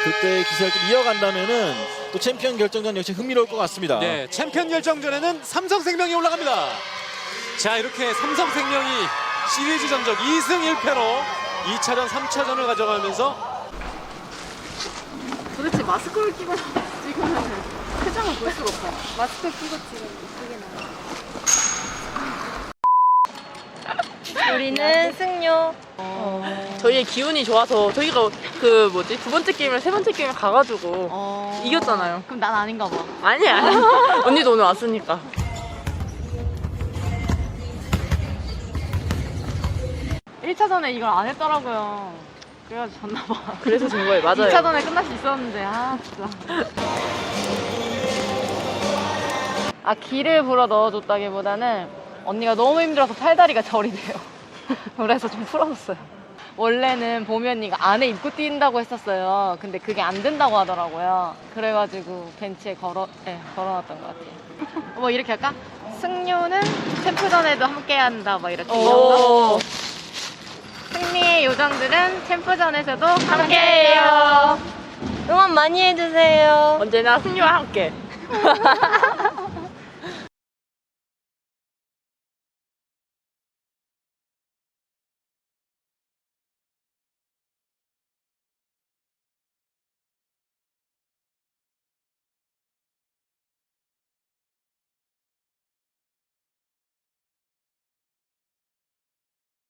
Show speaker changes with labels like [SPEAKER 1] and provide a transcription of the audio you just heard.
[SPEAKER 1] 그때의 기세를 좀 이어간다면은 또 챔피언 결정전 역시 흥미로울 것 같습니다.
[SPEAKER 2] 네, 챔피언 결정전에는 삼성생명이 올라갑니다. 자, 이렇게 삼성생명이 시리즈 전적 2승 1패로 2차전, 3차전을 가져가면서
[SPEAKER 3] 도대체 마스크를 끼고 찍으면 표정을 볼 수가 없어요. 마스크 끼고 찍으면 이쁘게 나와요.
[SPEAKER 4] 우리는 승료. 저희의 기운이 좋아서 저희가 그 뭐지 두 번째 게임이랑 세 번째 게임을 가가지고 이겼잖아요.
[SPEAKER 3] 그럼 난 아닌가 봐.
[SPEAKER 4] 아니야. 언니도 오늘 왔으니까.
[SPEAKER 3] 1차전에 이걸 안 했더라고요. 그래가지고 졌나 봐.
[SPEAKER 4] 그래서 진 거예요. 맞아요.
[SPEAKER 3] 2차전에 끝날 수 있었는데 진짜. 기를 불어 넣어줬다기보다는 언니가 너무 힘들어서 팔다리가 저리 돼요. 그래서 좀 풀어줬어요. 원래는 보미 언니가 안에 입고 뛴다고 했었어요. 근데 그게 안 된다고 하더라고요. 그래가지고 벤치에 걸어놨던 것 같아요. 뭐 이렇게 할까? 승료는 챔프전에도 함께한다 막 이렇게 이런 승리의 요정들은 챔프전에서도 함께해요.
[SPEAKER 4] 응원 많이 해주세요. 언제나 승리와 함께.